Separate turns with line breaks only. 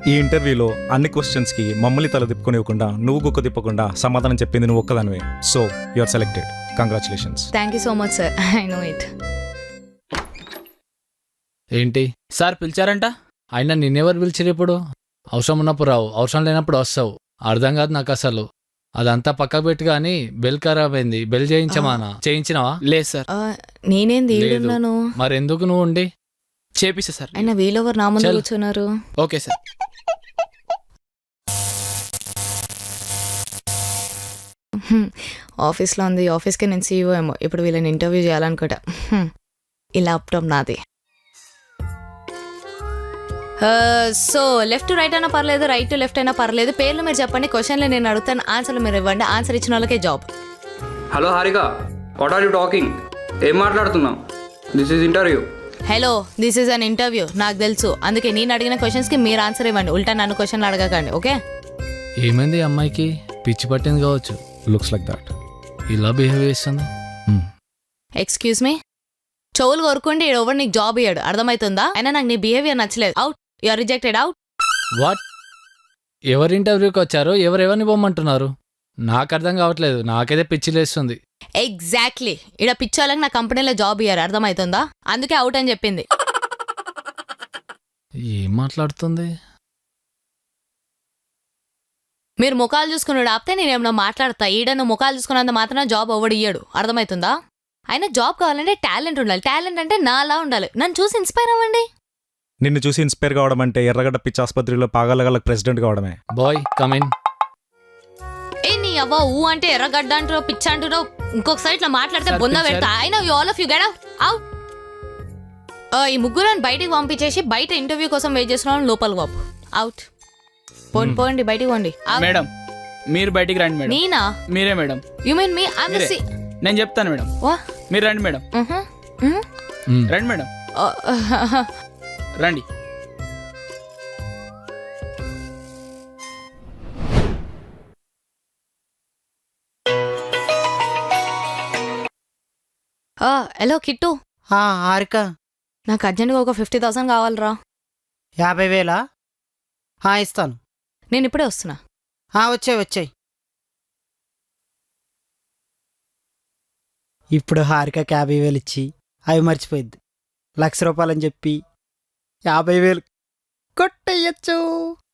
ఈ ఇంటర్వ్యూలో అన్ని క్వశ్చన్స్కి మమ్మల్ని తల తిప్పుకొనివ్వకుండా నువ్వు గుక్క తిప్పకుండా సమాధానం చెప్పింది నువ్వు ఒక్కదానివే. So you are selected. Congratulations.
Thank you so much sir. I know it.
ఏంటి
సార్ పిలిచారంట?
అయినా నిన్నెవరు పిలిచిరు? ఇప్పుడు అవసరం ఉన్నప్పుడు రావు, అవసరం లేనప్పుడు వస్తావు. అర్థం కాదు నాకు అసలు. అదంతా పక్కకు పెట్టి కానీ బెల్ ఖరాబ్ అయింది. బెల్ చేయించమానా? చేయించినావా?
లేదు సార్.
నేనేంది
లేదు.
ఈడున్నాను?
మరి ఎందుకు నువ్వు ఉండి?
చేపిస్తా సార్.
అయినా వీళ్ళెవరు నా ముందు
చల్.
కూర్చున్నారు?
Okay sir.
ఆఫీస్లో ఉంది. ఆఫీస్కి నేను సీఈఓ ఏమో. ఇప్పుడు వీళ్ళని ఇంటర్వ్యూ చేయాలనుకుంటా. ఈ ల్యాప్టాప్ నాది. సో లెఫ్ట్ టు రైట్ అయినా పర్లేదు, రైట్ టు లెఫ్ట్ అయినా పర్లేదు. పేర్లు మీరు చెప్పండి, క్వశ్చన్లు నేను అడుగుతాను, ఆన్సర్లు మీరు ఇవ్వండి. ఆన్సర్ ఇచ్చిన వాళ్ళకే job.
Hello Harika, what are you talking? ఏం మాట్లాడుతున్నావు? This is interview.
Hello, this is an interview. నాకు తెలుసు, అందుకే నేను అడిగిన క్వశ్చన్స్కి మీరు ఆన్సర్ ఇవ్వండి. ఉల్టా నన్ను క్వశ్చన్లు అడగకండి, ఓకే?
ఏమైంది ఈ అమ్మాయికి? పిచ్చి పట్టింది కావచ్చు.
Looks like that.
ఇలా బిహేవ్ చేస్తుంది.
Excuse me. చెవులు కొరుకుంటే ఎవరు నీకు జాబ్ ఇయ్యాడు, అర్థమవుతుందా? అయినా నాకు నీ బిహేవియర్ నచ్చలేదు. Out. You are rejected. Out.
What? ఎవరి ఇంటర్వ్యూకి వచ్చారు? ఎవరెవరిని పోమంటున్నారు? నాకు అర్థం కావట్లేదు. నాకైతే పిచ్చి లేస్తుంది.
ఎగ్జాక్ట్లీ. ఇక్కడ పిచ్చోళ్ళకి నా కంపెనీలో జాబ్ ఇయ్యారు, అర్థమవుతుందా? అందుకే అవుట్ అని చెప్పింది.
ఏం మాట్లాడుతుంది?
మీరు ముఖాలు చూసుకున్నాడు ఆపితే నేనేమన్నా మాట్లాడతా. ఈడను ముఖాలు చూసుకున్నంత మాత్రం జాబ్ ఎవడు ఇయ్యడు, అర్థమవుతుందా? అయినా జాబ్ కావాలంటే టాలెంట్ ఉండాలి. టాలెంట్ అంటే నాలా ఉండాలి. నన్ను చూసి ఇన్స్పైర్ అవ్వండి.
నిన్ను చూసి ఇన్స్పైర్ కావడం అంటే ఎర్రగడ్డ పిచ్చి ఆసుపత్రిలో పాగాలగలకు ప్రెసిడెంట్ కావడమే.
Boy come in.
ఏ నీ అవ్వ ఊ అంటే ఎర్రగడ్డ అంటారో పిచ్చ అంటారో ఇంకొకసారి ఇట్లా మాట్లాడితే
సార్,
బొంద
పిలిచారు.
పెడతా. అయినా all of you get out. ఈ ముగ్గురు బయటికి పంపించేసి బయట ఇంటర్వ్యూ కోసం వెయిట్ చేస్తున్నాను. లోపల బాబు అవుట్. పోండి పోండి, బయటికి పోండి. Out.
మేడం మీరు బయటికి రండి మేడం.
నేనా?
మీరే madam.
You mean me? I
మీరే. నేను చెప్తాను మేడం. మీరు రండి మేడం. రండి మేడం, రండి.
హలో కిట్టు,
హారిక,
నాకు అర్జెంట్గా ఒక 50,000 కావాలరా.
50,000? ఇస్తాను.
నేను ఇప్పుడే వస్తున్నా.
వచ్చాయి. ఇప్పుడు హారికకి 50,000 ఇచ్చి అవి మర్చిపోయిద్ది. ₹1,00,000 అని చెప్పి 50,000 కొట్టేయచ్చు.